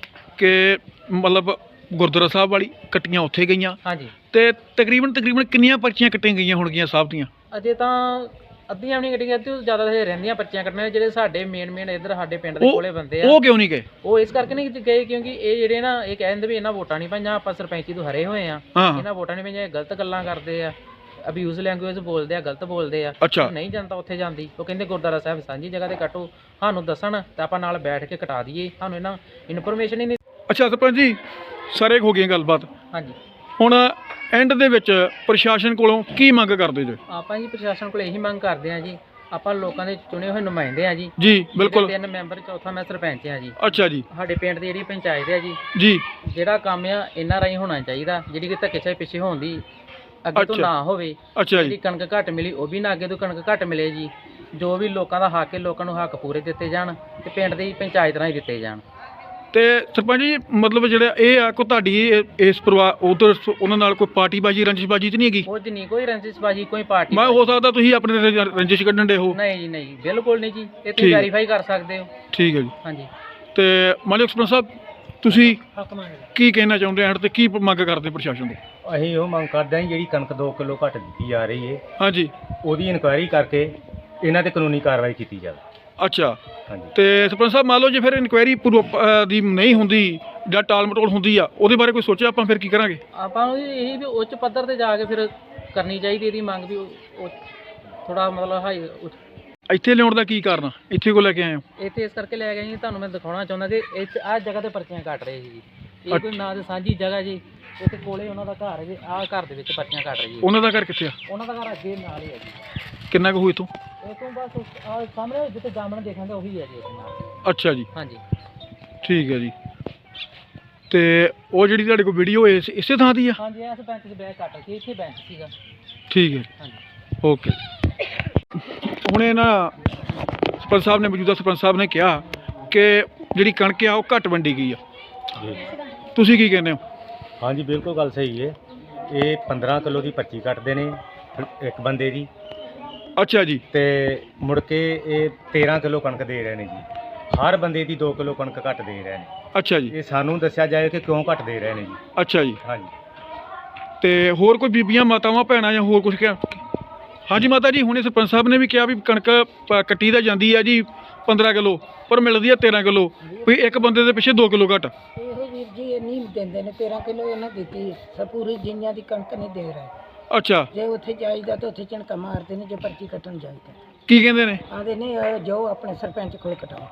[SPEAKER 3] ਕਿ ਮਤਲਬ ਗੁਰਦੁਆਰਾ ਸਾਹਿਬ ਵਾਲੀ ਕੱਟੀਆਂ ਉੱਥੇ ਗਈਆਂ,
[SPEAKER 1] ਹਾਂਜੀ।
[SPEAKER 3] ਤੇ ਤਕਰੀਬਨ ਤਕਰੀਬਨ ਕਿੰਨੀਆਂ ਪਰਚੀਆਂ ਕੱਟੀਆਂ ਗਈਆਂ ਹੋਣਗੀਆਂ ਸਾਹਿਬ ਦੀਆਂ?
[SPEAKER 1] ਅਜੇ ਤਾਂ ਅੱਧੀਆਂ ਵੀ ਨਹੀਂ ਕੱਟੀਆਂ, ਤੇ ਜ਼ਿਆਦਾ ਤਾਂ ਰਹਿੰਦੀਆਂ ਪਰਚੀਆਂ ਕੱਟਣੀਆਂ, ਜਿਹੜੇ ਸਾਡੇ ਮੇਨ ਮੇਨ ਇੱਧਰ ਸਾਡੇ ਪਿੰਡ ਦੇ
[SPEAKER 3] ਉਹ-
[SPEAKER 1] ਕੋਲੇ ਬੰਦੇ ਆ,
[SPEAKER 3] ਉਹ ਕਿਉਂ ਨਹੀਂ ਗਏ?
[SPEAKER 1] ਉਹ ਇਸ ਕਰਕੇ ਨਹੀਂ ਗਏ ਕਿਉਂਕਿ ਇਹ ਜਿਹੜੇ ਨਾ, ਇਹ ਕਹਿੰਦੇ ਵੀ ਇਹਨਾਂ ਵੋਟਾਂ ਨਹੀਂ ਪਾਈਆਂ, ਆਪਾਂ ਸਰਪੰਚੀ ਤੋਂ ਹਰੇ ਹੋਏ ਆ,
[SPEAKER 3] ਹਾਂ
[SPEAKER 1] ਇਹਨਾਂ ਵੋਟਾਂ ਨਹੀਂ ਪਾਈਆਂ, ਇਹ ਗਲਤ ਗੱਲਾਂ ਕਰਦੇ ਆ, ਅਬਿਊਜ਼ ਲੈਂਗੁਏਜ ਬੋਲਦੇ ਆ, ਗਲਤ ਬੋਲਦੇ ਆ।
[SPEAKER 3] ਅੱਛਾ।
[SPEAKER 1] ਨਹੀਂ ਜਨਤਾ ਉੱਥੇ ਜਾਂਦੀ, ਉਹ ਕਹਿੰਦੇ ਗੁਰਦੁਆਰਾ ਸਾਹਿਬ ਸਾਂਝੀ ਜਗ੍ਹਾ ਤੇ ਕੱਟੋ, ਸਾਨੂੰ ਦੱਸਣ ਤਾਂ ਆਪਾਂ ਨਾਲ ਬੈਠ ਕੇ ਕਟਾ ਦਈਏ, ਸਾਨੂੰ ਇਹਨਾਂ ਇਨਫੋਰਮੇਸ਼ਨ ਹੀ ਨਹੀਂ।
[SPEAKER 3] ਅੱਛਾ ਸਰਪੰਚ ਜੀ, ਸਾਰੇ ਹੋ ਗਈਆਂ ਗੱਲਬਾਤ।
[SPEAKER 1] ਹਾਂਜੀ।
[SPEAKER 3] ਹੁਣ ਐਂਡ ਦੇ ਵਿੱਚ ਪ੍ਰਸ਼ਾਸਨ ਕੋਲੋਂ ਕੀ ਮੰਗ ਕਰਦੇ ਜੋ?
[SPEAKER 1] ਆਪਾਂ ਜੀ ਪ੍ਰਸ਼ਾਸਨ ਕੋਲ ਇਹੀ ਮੰਗ ਕਰਦੇ ਆ ਜੀ, ਆਪਾਂ ਲੋਕਾਂ ਦੇ ਚੁਣੇ ਹੋਏ ਨੁਮਾਇੰਦੇ ਆ ਜੀ।
[SPEAKER 3] ਜੀ ਬਿਲਕੁਲ।
[SPEAKER 1] ਤਿੰਨ ਮੈਂਬਰ, ਚੌਥਾ ਮੈਂ ਸਰਪੰਚ ਆ ਜੀ।
[SPEAKER 3] ਅੱਛਾ ਜੀ।
[SPEAKER 1] ਸਾਡੇ ਪਿੰਡ ਦੀ ਜਿਹੜੀ ਪੰਚਾਇਤ ਆ ਜੀ,
[SPEAKER 3] ਜੀ
[SPEAKER 1] ਜਿਹੜਾ ਕੰਮ ਆ ਇਹਨਾਂ ਰਾਹੀਂ ਹੋਣਾ ਚਾਹੀਦਾ, ਜਿਹੜੀ ਕਿ ਧੱਕੇਸ਼ਾਹੀ ਪਿੱਛੇ ਹੋਣ ਦੀ ਅੱਗੇ ਤੋਂ
[SPEAKER 3] ਅੱਛਾ।
[SPEAKER 1] ਨਾ ਹੋਵੇ।
[SPEAKER 3] ਅੱਛਾ
[SPEAKER 1] ਜਿਹੜੀ
[SPEAKER 3] ਜੀ।
[SPEAKER 1] ਕਣਕ ਘੱਟ ਮਿਲੀ ਉਹ ਵੀ ਨਾ ਅੱਗੇ ਤੋਂ ਕਣਕ ਘੱਟ ਮਿਲੇ ਜੀ। ਜੋ ਵੀ ਲੋਕਾਂ ਦਾ ਹੱਕ ਹੈ, ਲੋਕਾਂ ਨੂੰ ਹੱਕ ਪੂਰੇ ਦਿੱਤੇ ਜਾਣ ਤੇ ਪਿੰਡ ਦੀ ਪੰਚਾਇਤ ਰਾਹੀਂ ਦਿੱਤੇ ਜਾਣ।
[SPEAKER 3] ਤੇ ਸਰਪੰਚ ਜੀ ਮਤਲਬ ਜਿਹੜਾ ਇਹ ਆ ਕੋ ਤੁਹਾਡੀ ਇਹ- ਇਸ ਪਰਿਵਾਰ ਉਧਰ ਉਹਨਾਂ ਨਾਲ ਕੋਈ ਪਾਰਟੀਬਾਜੀ ਰੰਜਿਸ਼ਬਾਜੀ ਤੇ ਨਹੀਂ ਹੈਗੀ?
[SPEAKER 1] ਕੁਝ ਨਹੀਂ, ਕੋਈ ਰੰਜਿਸ਼ਬਾਜੀ, ਕੋਈ ਪਾਰਟੀ
[SPEAKER 3] ਮੈਂ ਹੋ ਸਕਦਾ ਤੁਸੀਂ ਆਪਣੇ ਰੰਜ- ਰੰਜਿਸ਼ ਕੱਢਣ ਦੇ ਹੋ?
[SPEAKER 1] ਨਹੀਂ ਜੀ, ਨਹੀਂ, ਬਿਲਕੁਲ ਨਹੀਂ ਜੀ, ਇਹ
[SPEAKER 3] ਠੀਕ
[SPEAKER 1] ਤੁਸੀਂ
[SPEAKER 3] ਹੈ।
[SPEAKER 1] ਵੈਰੀਫਾਈ ਕਰ ਸਕਦੇ ਹੋ।
[SPEAKER 3] ਠੀਕ ਹੈ ਜੀ।
[SPEAKER 1] ਹਾਂਜੀ।
[SPEAKER 3] ਤੇ ਮਾਲਿਕ ਸਰਪੰਚ ਸਾਹਿਬ ਤੁਸੀਂ
[SPEAKER 4] ਹੱਕ ਮੰਗਦੇ
[SPEAKER 3] ਕੀ ਕਹਿਣਾ ਚਾਹੁੰਦੇ ਹੋ ਤੇ ਕੀ ਮੰਗ ਕਰਦੇ ਪ੍ਰਸ਼ਾਸਨ ਤੋਂ?
[SPEAKER 4] ਅਸੀਂ ਉਹ ਮੰਗ ਕਰਦੇ ਹਾਂ ਜਿਹੜੀ ਕਣਕ ਦੋ ਕਿਲੋ ਘੱਟ ਦਿੱਤੀ ਜਾ ਰਹੀ ਹੈ,
[SPEAKER 3] ਹਾਂਜੀ।
[SPEAKER 4] ਉਹਦੀ ਇਨਕੁਆਇਰੀ ਕਰਕੇ ਇਹਨਾਂ ਤੇ ਕਾਨੂੰਨੀ ਕਾਰਵਾਈ ਕੀਤੀ ਜਾਵੇ।
[SPEAKER 3] ਅੱਛਾ।
[SPEAKER 4] ਹਾਂਜੀ।
[SPEAKER 3] ਤੇ ਸਰਪੰਚ ਸਾਹਿਬ ਮੰਨ ਲਓ ਜੇ ਫਿਰ ਇਨਕੁਆਇਰੀ ਦੀ ਨਹੀਂ ਹੁੰਦੀ ਜਾਂ ਟਾਲ ਮਟੋਲ ਹੁੰਦੀ ਆ, ਉਹਦੇ ਬਾਰੇ ਕੋਈ ਸੋਚਿਆ ਆਪਾਂ ਫਿਰ ਕੀ ਕਰਾਂਗੇ?
[SPEAKER 1] ਆਪਾਂ ਨੂੰ ਇਹ ਵੀ ਉੱਚ ਪੱਧਰ ਤੇ ਜਾ ਕੇ ਫਿਰ ਕਰਨੀ ਚਾਹੀਦੀ ਇਹਦੀ ਮੰਗ ਵੀ, ਉਹ ਥੋੜਾ ਮਤਲਬ ਹਾਈ
[SPEAKER 3] ਇੱਥੇ ਲਿਆਉਣ ਦਾ ਕੀ ਕਾਰਨ ਆ? ਇੱਥੇ ਕੋ ਲੈ ਕੇ ਆਏ ਹੋ?
[SPEAKER 1] ਇੱਥੇ ਇਸ ਕਰਕੇ ਲੈ ਗਏ ਜੀ, ਤੁਹਾਨੂੰ ਮੈਂ ਦਿਖਾਉਣਾ ਚਾਹੁੰਦਾ ਕਿ ਇੱਥੇ ਆਹ ਜਗ੍ਹਾ ਤੇ ਪਰਚੀਆਂ ਕੱਟ ਰਹੇ ਸੀ ਜੀ। ਇਹ ਕੋਈ ਨਾ ਤੇ ਸਾਂਝੀ ਜਗ੍ਹਾ ਜੀ, ਇੱਥੇ ਕੋਲੇ ਉਹਨਾਂ ਦਾ ਘਰ ਹੈ ਜੀ, ਆਹ ਘਰ ਦੇ ਵਿੱਚ ਪਰਚੀਆਂ ਕੱਟ ਰਹੀ ਜੀ।
[SPEAKER 3] ਉਹਨਾਂ ਦਾ ਘਰ ਕਿੱਥੇ ਆ?
[SPEAKER 1] ਉਹਨਾਂ ਦਾ ਘਰ ਅੱਗੇ ਨਾਲ ਹੀ ਹੈ ਜੀ।
[SPEAKER 3] ਕਿੰਨਾ ਕੁ ਹੋਈ ਇੱਥੋਂ?
[SPEAKER 1] ਇਹ ਤੋਂ ਬਸ ਆਹ ਸਾਹਮਣੇ ਜਿੱਥੇ ਜਾਮਣ ਦੇਖਾਂਗੇ ਉਹੀ ਹੈ ਜੀ ਇੱਥੇ ਨਾਲ।
[SPEAKER 3] ਅੱਛਾ ਜੀ।
[SPEAKER 1] ਹਾਂਜੀ।
[SPEAKER 3] ਠੀਕ ਹੈ ਜੀ। ਤੇ ਉਹ ਜਿਹੜੀ ਤੁਹਾਡੇ ਕੋਲ ਵੀਡੀਓ ਇਸ ਇਸੇ ਥਾਂ ਦੀ ਆ?
[SPEAKER 1] ਹਾਂਜੀ, ਇਸ ਬੈਂਚ 'ਚ ਬੈਗ ਕੱਟ ਸੀ, ਇੱਥੇ ਬੈਂਚ ਸੀਗਾ।
[SPEAKER 3] ਠੀਕ ਹੈ।
[SPEAKER 1] ਹਾਂਜੀ।
[SPEAKER 3] ਓਕੇ। ਹੁਣ ਇਹ ਨਾ ਸਰਪੰਚ ਸਾਹਿਬ ਨੇ ਮੌਜੂਦਾ ਸਰਪੰਚ ਸਾਹਿਬ ਨੇ ਕਿਹਾ ਕਿ ਜਿਹੜੀ ਕਣਕ ਆ ਉਹ ਘੱਟ ਵੰਡੀ ਗਈ ਆ,
[SPEAKER 4] ਜੀ
[SPEAKER 3] ਤੁਸੀਂ ਕੀ ਕਹਿੰਦੇ ਹੋ?
[SPEAKER 4] ਹਾਂਜੀ ਬਿਲਕੁਲ ਗੱਲ ਸਹੀ ਹੈ। ਇਹ ਪੰਦਰਾਂ ਕਿਲੋ ਦੀ ਪਰਚੀ ਕੱਟਦੇ ਨੇ ਇੱਕ ਬੰਦੇ ਦੀ,
[SPEAKER 3] ਅੱਛਾ ਜੀ,
[SPEAKER 4] ਤੇ ਮੁੜ ਕੇ ਇਹ ਤੇਰਾਂ ਕਿਲੋ ਕਣਕ ਦੇ ਰਹੇ ਨੇ ਜੀ। ਹਰ ਬੰਦੇ ਦੀ ਦੋ ਕਿਲੋ ਕਣਕ ਘੱਟ ਦੇ ਰਹੇ ਨੇ।
[SPEAKER 3] ਅੱਛਾ ਜੀ,
[SPEAKER 4] ਇਹ ਸਾਨੂੰ ਦੱਸਿਆ ਜਾਏ ਕਿ ਕਿਉਂ ਘੱਟ ਦੇ ਰਹੇ ਨੇ ਜੀ।
[SPEAKER 3] ਅੱਛਾ ਜੀ।
[SPEAKER 4] ਹਾਂਜੀ
[SPEAKER 3] ਤੇ ਹੋਰ ਕੋਈ ਬੀਬੀਆਂ ਮਾਤਾਵਾਂ ਭੈਣਾਂ ਜਾਂ ਹੋਰ ਕੁਝ ਕਿਹਾ? ਹਾਂਜੀ ਮਾਤਾ ਜੀ, ਹੁਣੇ ਸਰਪੰਚ ਸਾਹਿਬ ਨੇ ਵੀ ਕਿਹਾ ਵੀ ਕਣਕ ਪ- ਕੱਟੀ ਤਾਂ ਜਾਂਦੀ ਆ ਜੀ ਪੰਦਰਾਂ ਕਿਲੋ, ਪਰ ਮਿਲਦੀ ਆ ਤੇਰਾਂ ਕਿਲੋ, ਵੀ ਇੱਕ ਬੰਦੇ ਦੇ ਪਿੱਛੇ ਦੋ ਕਿਲੋ ਘੱਟ।
[SPEAKER 5] ਇਹੋ ਵੀਰ ਜੀ ਇਹ ਨਹੀਂ ਦਿੰਦੇ ਨੇ, ਤੇਰਾਂ ਕਿਲੋ ਇਹਨਾਂ ਦਿੱਤੀ ਸਭ ਪੂਰੀ ਜਿੰਨਿਆਂ ਦੀ ਕਣਕ ਨਹੀਂ ਦੇ ਰਹੇ।
[SPEAKER 3] ਅੱਛਾ,
[SPEAKER 5] ਜੇ ਉੱਥੇ ਜਾਈਦਾ ਤਾਂ ਉੱਥੇ ਝਣਕਾ ਮਾਰਦੇ ਨੇ, ਜੇ ਪਰਚੀ ਕੱਟਣ ਜਾਈਦਾ
[SPEAKER 3] ਕੀ ਕਹਿੰਦੇ ਨੇ?
[SPEAKER 5] ਆਦੇ ਨੇ ਅਹ ਜਾਓ ਆਪਣੇ ਸਰਪੰਚ ਕੋਲ ਕਟਾਓ।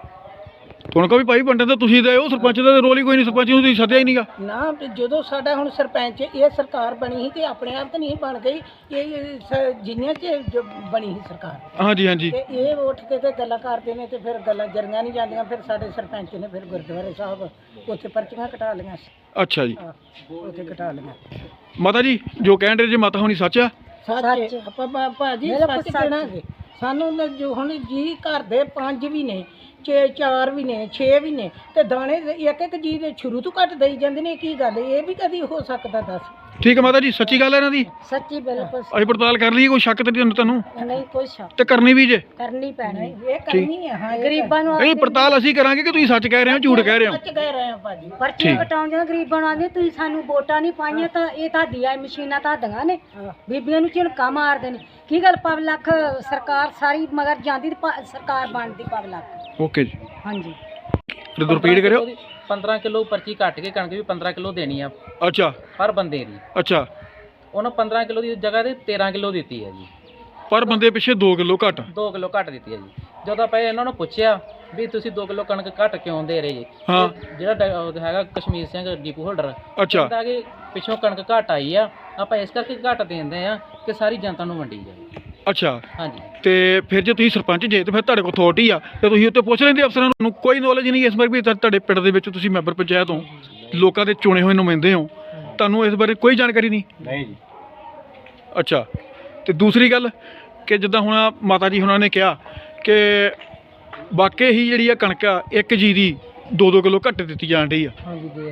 [SPEAKER 3] ਹੁਣ ਕੋ ਵੀ ਭਾਈ ਵੰਡਣ ਤਾਂ ਤੁਸੀਂ ਦੇ ਉਹ ਸਰਪੰਚ ਦਾ ਤਾਂ ਰੋਲ ਹੀ ਕੋਈ ਨਹੀਂ, ਸਰਪੰਚ ਨੂੰ ਤੁਸੀਂ ਸੱਦਿਆ ਹੀ ਨਹੀਂਗਾ।
[SPEAKER 5] ਨਾ ਤੇ ਜਦੋਂ ਸਾਡਾ ਹੁਣ ਸਰਪੰਚ ਇਹ ਸਰਕਾਰ ਬਣੀ ਸੀ ਤੇ ਆਪਣੇ ਆਪ ਤਾਂ ਨਹੀਂ ਬਣ ਗਈ, ਇਹ ਸ- ਜਿੰਨਿਆਂ ਚ ਜੋ ਬਣੀ ਸੀ ਸਰਕਾਰ
[SPEAKER 3] ਹਾਂਜੀ ਹਾਂਜੀ,
[SPEAKER 5] ਤੇ ਇਹ ਉੱਠ ਕੇ ਤੇ ਗੱਲਾਂ ਕਰਦੇ ਨੇ ਤੇ ਫਿਰ ਗੱਲਾਂ ਜਰੀਆਂ ਨਹੀਂ ਜਾਂਦੀਆਂ। ਫਿਰ ਸਾਡੇ ਸਰਪੰਚ ਨੇ ਫਿਰ ਗੁਰਦੁਆਰੇ ਸਾਹਿਬ ਉੱਥੇ ਪਰਚੀਆਂ ਕਟਾ ਲਈਆਂ ਸੀ।
[SPEAKER 3] ਅੱਛਾ ਜੀ।
[SPEAKER 5] ਆਹ, ਉੱਥੇ ਕਟਾ ਲਈਆਂ।
[SPEAKER 3] ਮਾਤਾ ਜੀ ਜੋ ਕਹਿਣ ਰਹੇ ਜੇ ਮਾਤਾ ਹੁਣੀ ਸੱਚ ਆ?
[SPEAKER 5] ਸੱਚ ਆਪਾਂ ਭਾ- ਭਾਜੀ ਸੱਚ ਕਹਿਣਾਗੇ। ਸਾਨੂੰ ਤਾਂ ਜੋ ਹੁਣ ਜੀ ਘਰ ਦੇ ਪੰਜ ਵੀ ਨੇ, ਛੇ ਚਾਰ ਵੀ ਨੇ, ਛੇ ਵੀ ਨੇ, ਤੇ ਦਾਣੇ ਇੱਕ ਇੱਕ ਜੀ ਦੇ ਸ਼ੁਰੂ ਤੋਂ ਘੱਟ ਦੇਈ ਜਾਂਦੇ ਨੇ। ਕੀ ਗੱਲ ਇਹ ਵੀ ਕਦੀ ਹੋ ਸਕਦਾ ਦੱਸ?
[SPEAKER 3] ਠੀਕ ਹੈ ਮਾਤਾ ਜੀ, ਸੱਚੀ ਗੱਲ ਹੈ ਇਹਨਾਂ ਦੀ?
[SPEAKER 5] ਸੱਚੀ ਬਿਲਕੁਲ
[SPEAKER 3] ਅਸੀਂ ਪੜਤਾਲ ਕਰ ਲਈ, ਕੋਈ ਸ਼ੱਕ ਤੇ ਨਹੀਂ ਤੁਹਾਨੂੰ?
[SPEAKER 5] ਨਹੀਂ ਕੋਈ ਸ਼ੱਕ
[SPEAKER 3] ਤੇ ਕਰਨੀ ਵੀ ਜੇ?
[SPEAKER 5] ਕਰਨੀ ਪੈਣੀ, ਇਹ ਕਰਨੀ ਹੈ। ਹਾਂ ਗਰੀਬਾਂ ਨੂੰ
[SPEAKER 3] ਨਹੀਂ, ਪੜਤਾਲ ਅਸੀਂ ਕਰਾਂਗੇ ਕਿ ਤੁਸੀਂ ਸੱਚ ਕਹਿ ਰਹੇ ਹੋ ਝੂਠ ਕਹਿ ਰਹੇ ਹੋ?
[SPEAKER 5] ਸੱਚ ਕਹਿ ਰਹੇ ਆ ਭਾਜੀ।
[SPEAKER 3] ਠੀਕ।
[SPEAKER 6] ਕਟਾਉਂਦੇ ਗਰੀਬਾਂ ਨੂੰ ਆਂਦੇ ਤੁਸੀਂ ਸਾਨੂੰ ਵੋਟਾਂ ਨਹੀਂ ਪਾਈਆਂ ਤਾਂ ਇਹ ਤੁਹਾਡੀਆਂ ਇਹ ਮਸ਼ੀਨਾਂ ਤੁਹਾਡੀਆਂ ਨੇ, ਬੀਬੀਆਂ ਨੂੰ ਝਿਣਕਾ ਮਾਰਦੇ ਨੇ। ਕੀ ਗੱਲ ਪਬਲਿਕ ਸਰਕਾਰ ਸਾਰੀ ਮਗਰ ਜਾਂਦੀ ਤੇ ਪ- ਸਰਕਾਰ ਬਣਦੀ ਪਬਲਿਕ।
[SPEAKER 3] ਓਕੇ ਜੀ,
[SPEAKER 6] ਹਾਂਜੀ
[SPEAKER 3] ਰਿਪੀਟ ਕਰਿਓ।
[SPEAKER 1] ਪੰਦਰਾਂ ਕਿਲੋ ਪਰਚੀ ਕੱਟ ਕੇ ਕਣਕ ਵੀ ਪੰਦਰਾਂ ਕਿਲੋ ਦੇਣੀ ਆ
[SPEAKER 3] ਅੱਛਾ
[SPEAKER 1] ਹਰ ਬੰਦੇ ਦੀ।
[SPEAKER 3] ਅੱਛਾ,
[SPEAKER 1] ਉਹਨਾਂ ਪੰਦਰਾਂ ਕਿਲੋ ਦੀ ਜਗ੍ਹਾ ਤੇ ਤੇਰਾਂ ਕਿਲੋ ਦਿੱਤੀ ਹੈ ਜੀ,
[SPEAKER 3] ਪਰ ਬੰਦੇ ਪਿੱਛੇ ਦੋ ਕਿਲੋ ਘੱਟ।
[SPEAKER 1] ਦੋ ਕਿਲੋ ਘੱਟ ਦਿੱਤੀ ਹੈ ਜੀ। ਜਦੋਂ ਆਪਾਂ ਇਹਨਾਂ ਨੂੰ ਪੁੱਛਿਆ ਵੀ ਤੁਸੀਂ ਦੋ ਕਿਲੋ ਕਣਕ ਘੱਟ ਕਿਉਂ ਦੇ ਰਹੇ ਜੀ,
[SPEAKER 3] ਹਾਂ।
[SPEAKER 1] ਤੇ ਜਿਹੜਾ ਡ- ਉਹ ਹੈਗਾ ਕਸ਼ਮੀਰ ਸਿੰਘ ਡੀਪੂ ਹੋਲਡਰ
[SPEAKER 3] ਅੱਛਾ,
[SPEAKER 1] ਕਹਿੰਦਾ ਕਿ ਪਿੱਛੋਂ ਕਣਕ ਘੱਟ ਆਈ ਆ, ਆਪਾਂ ਇਸ ਕਰਕੇ ਘੱਟ ਦਿੰਦੇ ਆ ਕਿ ਸਾਰੀ ਜਨਤਾ ਨੂੰ ਵੰਡੀ ਜਾਵੇ।
[SPEAKER 3] ਅੱਛਾ।
[SPEAKER 1] ਹਾਂਜੀ।
[SPEAKER 3] ਤੇ ਫਿਰ ਜੇ ਤੁਸੀਂ ਸਰਪੰਚ ਜੇ ਤੇ ਫਿਰ ਤੁਹਾਡੇ ਕੋਲ ਅਥਾਰਟੀ ਆ ਤੇ ਤੁਸੀਂ ਉੱਤੇ ਪੁੱਛ ਲੈਂਦੇ ਅਫਸਰਾਂ ਨੂੰ? ਕੋਈ ਨੌਲੇਜ ਨਹੀਂ ਇਸ ਬਾਰੇ ਵੀ ਤੁਹਾ- ਤੁਹਾਡੇ ਪਿੰਡ ਦੇ ਵਿੱਚ ਤੁਸੀਂ ਮੈਂਬਰ ਪੰਚਾਇਤ ਹੋ, ਲੋਕਾਂ ਦੇ ਚੁਣੇ ਹੋਏ ਨੁਮਾਇੰਦੇ ਹੋ, ਤੁਹਾਨੂੰ ਇਸ ਬਾਰੇ ਕੋਈ ਜਾਣਕਾਰੀ ਨਹੀਂ?
[SPEAKER 4] ਨਹੀਂ ਜੀ।
[SPEAKER 3] ਅੱਛਾ। ਤੇ ਦੂਸਰੀ ਗੱਲ ਕਿ ਜਿੱਦਾਂ ਹੁਣ ਮਾਤਾ ਜੀ ਹੁਣਾਂ ਨੇ ਕਿਹਾ ਕਿ ਵਾਕਈ ਹੀ ਜਿਹੜੀ ਆ ਕਣਕ ਆ ਇੱਕ ਜੀ ਦੀ ਦੋ ਦੋ ਕਿਲੋ ਘੱਟ ਦਿੱਤੀ ਜਾਣ ਰਹੀ ਆ।
[SPEAKER 5] ਹਾਂਜੀ ਦੇ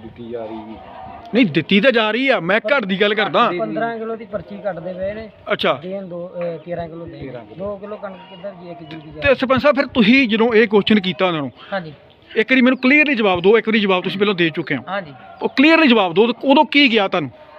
[SPEAKER 3] ਨਹੀਂ, ਦਿੱਤੀ ਤਾਂ ਜਾ ਰਹੀ ਆ, ਮੈਂ ਘੱਟ ਦੀ ਗੱਲ ਕਰਦਾ।
[SPEAKER 5] ਪੰਦਰਾਂ ਕਿਲੋ ਦੀ ਪਰਚੀ ਕੱਟਦੇ ਪਏ ਨੇ,
[SPEAKER 3] ਅੱਛਾ।
[SPEAKER 5] ਦੇਣ ਦੋ ਅਹ ਤੇਰਾਂ ਕਿਲੋ ਦੇ ਦੋ ਕਿਲੋ ਕਣਕ ਕਿੱਧਰ ਜੀ ਇੱਕ ਜੀ ਦੀ
[SPEAKER 3] ਤੇ ਸਰਪੰਚ ਸਾਹਿਬ ਫਿਰ ਤੁਸੀਂ ਜਦੋਂ ਇਹ ਕੁਐਸਚਨ ਕੀਤਾ ਉਹਨਾਂ ਨੂੰ,
[SPEAKER 1] ਹਾਂਜੀ।
[SPEAKER 3] ਇੱਕ ਵਾਰੀ ਮੈਨੂੰ ਕਲੀਅਰਲੀ ਜਵਾਬ ਦਿਓ। ਇੱਕ ਵਾਰੀ ਜਵਾਬ ਤੁਸੀਂ ਪਹਿਲਾਂ ਦੇ ਚੁੱਕੇ ਹੋ,
[SPEAKER 1] ਹਾਂਜੀ।
[SPEAKER 3] ਉਹ ਕਲੀਅਰਲੀ ਜਵਾਬ ਦਿਓ, ਉਦੋਂ ਕੀ ਗਿਆ ਤੁਹਾਨੂੰ?